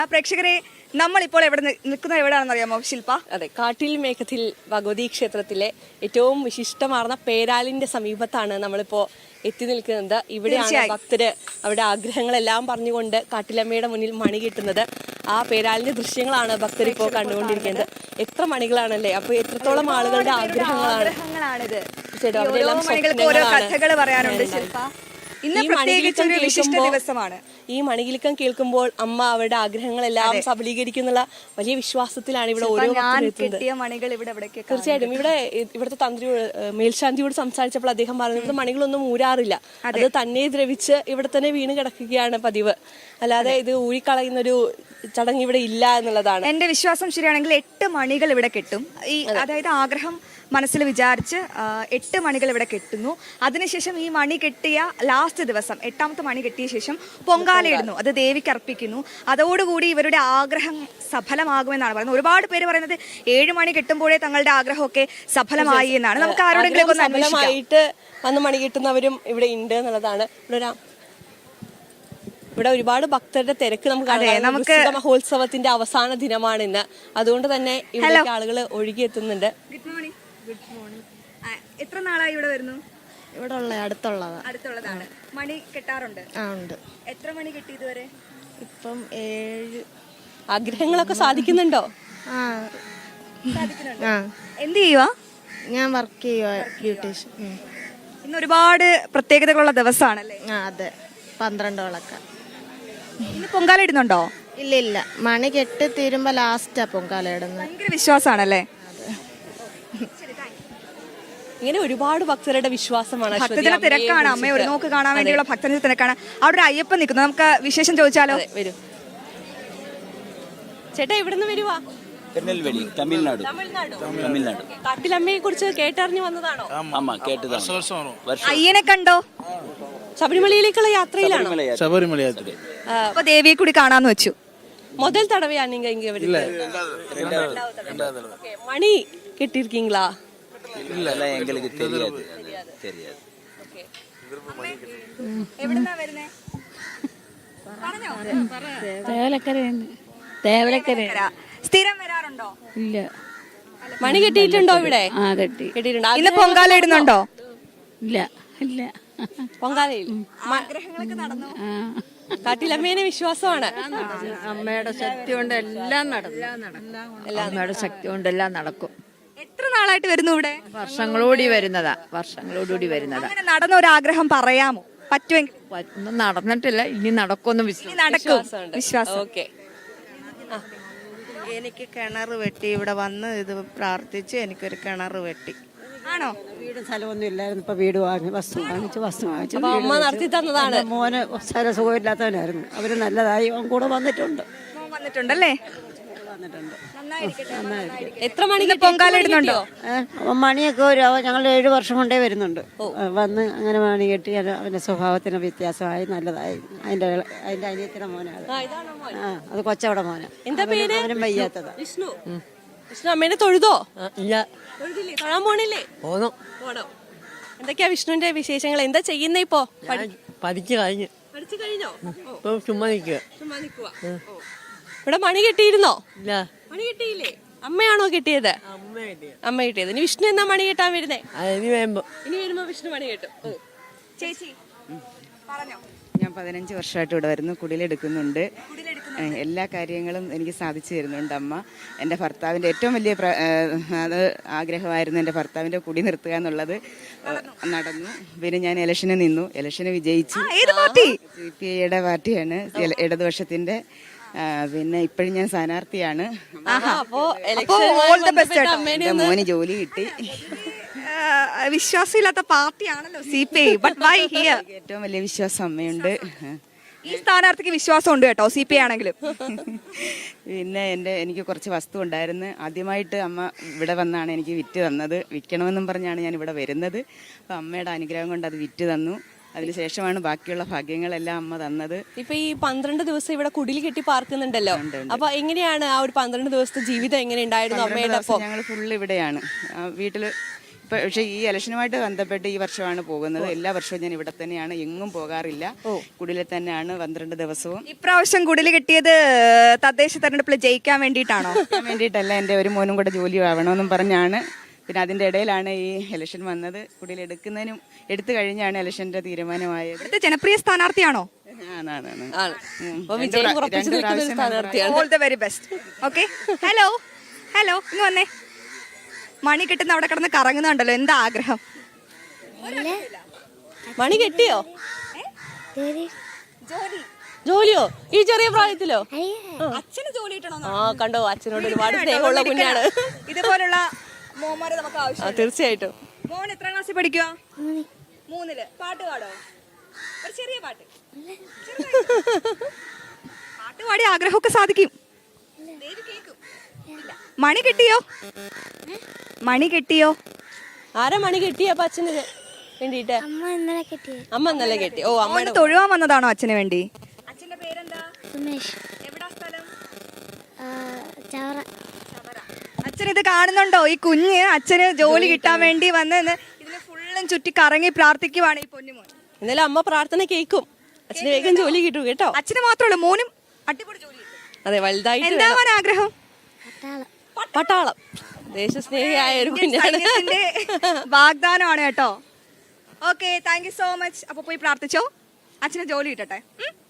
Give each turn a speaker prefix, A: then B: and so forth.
A: പ്രേക്ഷകരെ നമ്മളിപ്പോൾ നിൽക്കുന്നത് എവിടെയാണെന്ന് അറിയാമോ ശില്പ?
B: അതെ, കാട്ടിൽ മേഘത്തിൽ ഭഗവതി ക്ഷേത്രത്തിലെ ഏറ്റവും വിശിഷ്ടമാർന്ന പേരാലിന്റെ സമീപത്താണ് നമ്മളിപ്പോ എത്തി നിൽക്കുന്നത്. ഇവിടെയാണ് ഭക്തര് അവരുടെ ആഗ്രഹങ്ങളെല്ലാം പറഞ്ഞുകൊണ്ട് കാട്ടിലമ്മയുടെ മുന്നിൽ മണി കിട്ടുന്നത്. ആ പേരാലിന്റെ ദൃശ്യങ്ങളാണ് ഭക്തർ ഇപ്പോൾ കണ്ടുകൊണ്ടിരിക്കുന്നത്. എത്ര മണികളാണല്ലേ, അപ്പൊ എത്രത്തോളം ആളുകളുടെ ആഗ്രഹങ്ങളാണിത്.
A: ഓരോ കഥകൾ പറയാനുണ്ട് ശില്പ. ഇന്ന് പ്രത്യേകിച്ച് ഒരു വിശിഷ്ട ദിവസമാണ്.
B: ഈ മണികിലുക്കം കേൾക്കുമ്പോൾ അമ്മ അവരുടെ ആഗ്രഹങ്ങളെല്ലാം സബലീകരിക്കുന്നുള്ള വലിയ വിശ്വാസത്തിലാണ് ഇവിടെ ഓരോ
A: മണികൾ ഇവിടെ.
B: തീർച്ചയായിട്ടും ഇവിടുത്തെ തന്ത്രി മേൽശാന്തിയോട് സംസാരിച്ചപ്പോൾ അദ്ദേഹം പറഞ്ഞു ഇവിടുത്തെ മണികളൊന്നും ഊരാറില്ല, അത് തന്നെ ദ്രവിച്ച് ഇവിടെ തന്നെ വീണ് കിടക്കുകയാണ് പതിവ്, അല്ലാതെ ഇത് ഊരിക്കളയുന്നൊരു ചടങ്ങ് ഇവിടെ ഇല്ല എന്നുള്ളതാണ്
A: എന്റെ വിശ്വാസം. ശരിയാണെങ്കിൽ 8 മണികൾ ഇവിടെ കെട്ടും. അതായത് ആഗ്രഹം മനസ്സിൽ വിചാരിച്ച് 8 മണികൾ ഇവിടെ കെട്ടുന്നു. അതിനുശേഷം ഈ മണി കെട്ടിയ ലാസ്റ്റ് ദിവസം 8ാമത്തെ മണി കെട്ടിയ ശേഷം പൊങ്കാലയിടുന്നു, അത് ദേവിക്ക് അർപ്പിക്കുന്നു. അതോടുകൂടി ഇവരുടെ ആഗ്രഹം സഫലമാകുമെന്നാണ് പറയുന്നത്. ഒരുപാട് പേര് പറയുന്നത് 7 മണി കെട്ടുമ്പോഴേ തങ്ങളുടെ ആഗ്രഹമൊക്കെ സഫലമായി എന്നാണ്. നമുക്ക് ആരോടെങ്കിലും
B: വന്ന് മണി കെട്ടുന്നവരും ഇവിടെ ഉണ്ട് എന്നുള്ളതാണ്. ഇവിടെ ഒരുപാട് ഭക്തരുടെ തിരക്ക് നമുക്ക് മഹോത്സവത്തിന്റെ അവസാന ദിനമാണ് ഇന്ന്. അതുകൊണ്ട് തന്നെ ഇവിടെ ആളുകൾ ഒഴുകിയെത്തുന്നുണ്ട്.
A: Good morning. എത്ര നാളായി ഇവിടെ വരുന്നു?
C: ഇവിടെ
A: അടുത്തുള്ളതാണ്. മണി കെട്ടാറുണ്ട്?
C: ഉണ്ട്.
A: എത്ര മണി കെട്ടി ഇതുവരെ?
C: ഇപ്പം 7.
B: ആഗ്രഹങ്ങളൊക്കെ സാധിക്കുന്നുണ്ടോ?
A: സാധിക്കുന്നുണ്ട്. എന്ത് ചെയ്യുവാ?
C: ഞാൻ വർക്ക് ചെയ്യുവാ, ബ്യൂട്ടീഷ്യൻ.
A: ഇന്ന് ഒരുപാട് പ്രത്യേകതകളുള്ള ദിവസമാണല്ലേ?
C: അതെ, 12 വിളക്ക.
A: ഇന്ന് പൊങ്കാല ഇടുന്നുണ്ടോ?
C: ഇല്ല, മണി കെട്ടി തീരുമ്പോ ലാസ്റ്റാ പൊങ്കാല ഇടുന്നത്.
A: ഭയങ്കര വിശ്വാസമാണല്ലേ?
B: ഇങ്ങനെ ഒരുപാട് ഭക്തരുടെ വിശ്വാസമാണ്.
A: ഭക്തജന തിരക്കാണ്. അമ്മയെ ഒരു നോക്ക് കാണാൻ വേണ്ടിയുള്ള ഭക്തജന തിരക്കാണ്. അവിടെ ഒരു അയ്യപ്പൻ നിൽക്കുന്നു. നമുക്ക് വിശേഷം ചോദിച്ചാലോ?
B: വരൂ ചേട്ടാ, എവിടുന്ന് വരുവാ?
D: തമിഴ്നാട്.
B: കാട്ടിലമ്മയെ കുറിച്ച് കേട്ടറിഞ്ഞു വന്നതാണോ?
A: അയ്യനെ കണ്ടോ?
B: ശബരിമലയിലേക്കുള്ള യാത്രയിലാണോ?
D: ശബരിമല യാത്ര.
A: അപ്പൊ ദേവിയെ കൂടി കാണാന്ന് വെച്ചു.
B: முதல் தடவையா நீங்க இங்க வரீங்க? மணி கெட்டிருக்கீங்களா?
D: இல்ல, எங்களுக்கு தெரியாது.
A: എവിടുന്നാ വരുന്നേ? പറഞ്ഞോ.
E: തേവലക്കര.
A: സ്ഥിരം വരാറുണ്ടോ?
E: ഇല്ല.
B: മണി കെട്ടിയിട്ടുണ്ടോ ഇവിടെ?
E: കെട്ടിയിട്ടുണ്ട്.
A: ഇന്ന് പൊങ്കാല ഇടുന്നുണ്ടോ?
E: ഇല്ല.
B: പൊങ്കാലയിൽ
A: ആഗ്രഹങ്ങളൊക്കെ നടന്നു.
B: കാട്ടിലമ്മേനെ വിശ്വാസമാണ്.
E: അമ്മയുടെ ശക്തി കൊണ്ട് എല്ലാം നടക്കും. അമ്മയുടെ ശക്തി കൊണ്ട് എല്ലാം നടക്കും.
A: എത്ര നാളായിട്ട് വരുന്നു ഇവിടെ?
E: വർഷങ്ങളോടി വരുന്നതാ.
A: അങ്ങനെ നടന്ന ഒരു ആഗ്രഹം പറയാമോ? പറ്റുമെങ്കിൽ.
E: ഒന്നും നടന്നിട്ടില്ല, ഇനി നടക്കുമെന്ന്
A: വിശ്വാസം.
B: ഓക്കെ.
C: എനിക്ക് കിണർ വെട്ടി ഇവിടെ വന്ന് ഇത് പ്രാർത്ഥിച്ച് എനിക്കൊരു കിണർ വെട്ടി.
A: ആണോ?
F: വീടും സ്ഥലമൊന്നും ഇല്ലായിരുന്നു. ഇപ്പൊ വീട് വാങ്ങി വസ്തു വാങ്ങിച്ചു.
B: അമ്മ നടത്തി തന്നതാണ്.
F: മോന് സ്ഥല സുഖമില്ലാത്തവനായിരുന്നു. അവര് നല്ലതായി കൂടെ
A: വന്നിട്ടുണ്ടല്ലേ?
B: എത്ര മണിക്ക്
A: പൊങ്കാല ഇടുന്നുണ്ടോ?
F: മണിയൊക്കെ ഞങ്ങൾ 7 വർഷം കൊണ്ടേ വരുന്നുണ്ട്. വന്ന് അങ്ങനെ മണി കെട്ടി അവന്റെ സ്വഭാവത്തിന് വ്യത്യാസമായി നല്ലതായി. അതിന്റെ അനിയത്തിന്റെ മോനാണ്. അത് കൊച്ചവിടെ മോനാ.
B: എന്താ പേര്?
F: അവനും വയ്യാത്തതാ.
B: വിഷ്ണു. അമ്മേനെ തൊഴുതോ?
F: ഇല്ല.
B: തൊഴാൻ പോണില്ലേ? പോണോ? എന്തൊക്കെയാ വിഷ്ണുവിന്റെ വിശേഷങ്ങൾ? എന്താ ചെയ്യുന്ന ഇപ്പോ?
F: പഠിച്ചു കഴിഞ്ഞു.
B: പഠിച്ചു കഴിഞ്ഞോ?
F: ചുമ്മാ നിൽക്കുക.
B: ഇവിടെ മണി കെട്ടിയിരുന്നോ?
F: ഇല്ല.
B: മണി കെട്ടിയില്ലേ? അമ്മയാണോ കെട്ടിയത്? അമ്മ കെട്ടിയത്. ഇനി വിഷ്ണു എന്നാ മണി കെട്ടാൻ വരുന്നേ?
F: ഇനി
B: വരുമ്പോ വിഷ്ണു മണി കെട്ടും.
A: ചേച്ചി പറഞ്ഞോ.
G: ഞാൻ 15 വർഷമായിട്ട് ഇവിടെ വരുന്നു. കുടിലെടുക്കുന്നുണ്ട്. എല്ലാ കാര്യങ്ങളും എനിക്ക് സാധിച്ചു തരുന്നുണ്ട് അമ്മ. എൻ്റെ ഭർത്താവിൻ്റെ ഏറ്റവും വലിയ ആഗ്രഹമായിരുന്നു എൻ്റെ ഭർത്താവിൻ്റെ കുടി നിർത്തുക എന്നുള്ളത്. നടന്നു. പിന്നെ ഞാൻ ഇലക്ഷന് നിന്നു. ഇലക്ഷന് വിജയിച്ചു. CPIയുടെ പാർട്ടിയാണ്, ഇടതുപക്ഷത്തിൻ്റെ. പിന്നെ ഇപ്പോഴും ഞാൻ സ്ഥാനാർത്ഥിയാണ്. മോന് ജോലി കിട്ടി.
A: വിശ്വാസമില്ലാത്ത പാർട്ടിയാണല്ലോ CPI.
G: ഏറ്റവും വലിയ വിശ്വാസം അമ്മയുണ്ട്.
A: ഈ സ്ഥാനാർത്ഥിക്ക് വിശ്വാസം ഉണ്ട് കേട്ടോ, CPI ആണെങ്കിലും.
G: പിന്നെ എനിക്ക് കുറച്ച് വസ്തു ഉണ്ടായിരുന്നു. ആദ്യമായിട്ട് അമ്മ ഇവിടെ വന്നാണ് എനിക്ക് വിറ്റ് തന്നത്. വിൽക്കണമെന്നും പറഞ്ഞാണ് ഞാൻ ഇവിടെ വരുന്നത്. അപ്പം അമ്മയുടെ അനുഗ്രഹം കൊണ്ട് അത് വിറ്റ് തന്നു. അതിനുശേഷമാണ് ബാക്കിയുള്ള ഭാഗ്യങ്ങളെല്ലാം അമ്മ തന്നത്.
B: ഇപ്പൊ ഈ 12 ദിവസം ഇവിടെ കുടിൽ കെട്ടി പാർക്കുന്നുണ്ടല്ലോ, അപ്പൊ എങ്ങനെയാണ് ആ ഒരു 12 ദിവസത്തെ ജീവിതം എങ്ങനെ ഉണ്ടായിരുന്നു അമ്മയുടെ?
G: ഞങ്ങൾ ഫുള്ള് ഇവിടെയാണ്. വീട്ടില് പക്ഷേ ഈ ഇലക്ഷനുമായിട്ട് ബന്ധപ്പെട്ട് ഈ വർഷമാണ് പോകുന്നത്. എല്ലാ വർഷവും ഞാൻ ഇവിടെ തന്നെയാണ്, എങ്ങും പോകാറില്ല. കുടിലിൽ തന്നെയാണ് 12 ദിവസവും.
A: ഇപ്രാവശ്യം കുടിൽ കെട്ടിയത് തദ്ദേശ തെരഞ്ഞെടുപ്പിൽ ജയിക്കാൻ വേണ്ടിയിട്ടാണോ?
G: വേണ്ടിയിട്ടല്ല, എൻ്റെ ഒരു മോനും കൂടെ ജോലി ആവണമെന്നും പറഞ്ഞാണ്. പിന്നെ അതിൻ്റെ ഇടയിലാണ് ഈ ഇലക്ഷൻ വന്നത്. കുടിയിൽ എടുത്തു കഴിഞ്ഞാണ് ഇലക്ഷൻ്റെ തീരുമാനമായത്.
A: ഇവിടുത്തെ ജനപ്രിയ സ്ഥാനാർത്ഥിയാണോ?
G: ആണ്.
B: ആണ്. അപ്പൊ വിജയം ഉറപ്പിച്ചു നിൽക്കുന്ന ഒരു സ്ഥാനാർത്ഥിയാണ്.
A: All the very best. Okay, hello hello, ഇന്ന് വന്നേ. മണി കിട്ടുന്ന അവിടെ കിടന്ന് കറങ്ങുന്നുണ്ടല്ലോ, എന്താ ആഗ്രഹം?
B: മണി കെട്ടിയോ? ജോലിയോ ഈ ചെറിയ പ്രായത്തിലോ?
A: അച്ഛന് ജോലി കിട്ടണോ?
B: കണ്ടോ, അച്ഛനോട് ഒരുപാട് സ്നേഹമുള്ള കുഞ്ഞാണ്.
A: ഇതുപോലുള്ള മോന്മാരെ നമുക്ക് ആവശ്യം.
B: തീർച്ചയായിട്ടും.
A: മോൻ എത്രാം ക്ലാസ്സിൽ പഠിക്കുക? 3. പാട്ട് പാടോ? ഒരു ചെറിയ പാട്ട്. പാട്ട് പാടി ആഗ്രഹമൊക്കെ സാധിക്കും. മണി കിട്ടിയോ? മണി കിട്ടിയോ?
B: ആരാ മണി കെട്ടിയപ്പോ അച്ഛന് വേണ്ടിട്ട്? അമ്മ ഇന്നലെ കെട്ടി. ഓ, അമ്മ
A: തൊഴുവാൻ വന്നതാണോ അച്ഛന് വേണ്ടി? അച്ഛന്റെ പേരെന്താ? എവിടാ സ്ഥലം? അച്ഛൻ ഇത് കാണുന്നുണ്ടോ? ഈ കുഞ്ഞ് അച്ഛന് ജോലി കിട്ടാൻ വേണ്ടി വന്നെന്ന് ഇതിന് ഫുള്ളും ചുറ്റി കറങ്ങി പ്രാർത്ഥിക്കുവാണ് ഈ പൊന്നുമോൻ.
B: ഇന്നലെ അമ്മ പ്രാർത്ഥന കേൾക്കും, അച്ഛന് വേഗം ജോലി കിട്ടും കേട്ടോ.
A: അച്ഛന് മാത്രമല്ല, മോനും അടിപൊളി ജോലി കിട്ടും.
B: അതെ, വലുതായിട്ട്
A: എന്താവാൻ ആഗ്രഹം?
B: പട്ടാളം. ദേശസ്നേഹിയായ ഒരു കുഞ്ഞാണ്.
A: വാഗ്ദാനമാണ് കേട്ടോ. Okay, thank you so much. അപ്പൊ പോയി പ്രാർത്ഥിച്ചോ, അച്ഛന് ജോലി കിട്ടട്ടെ.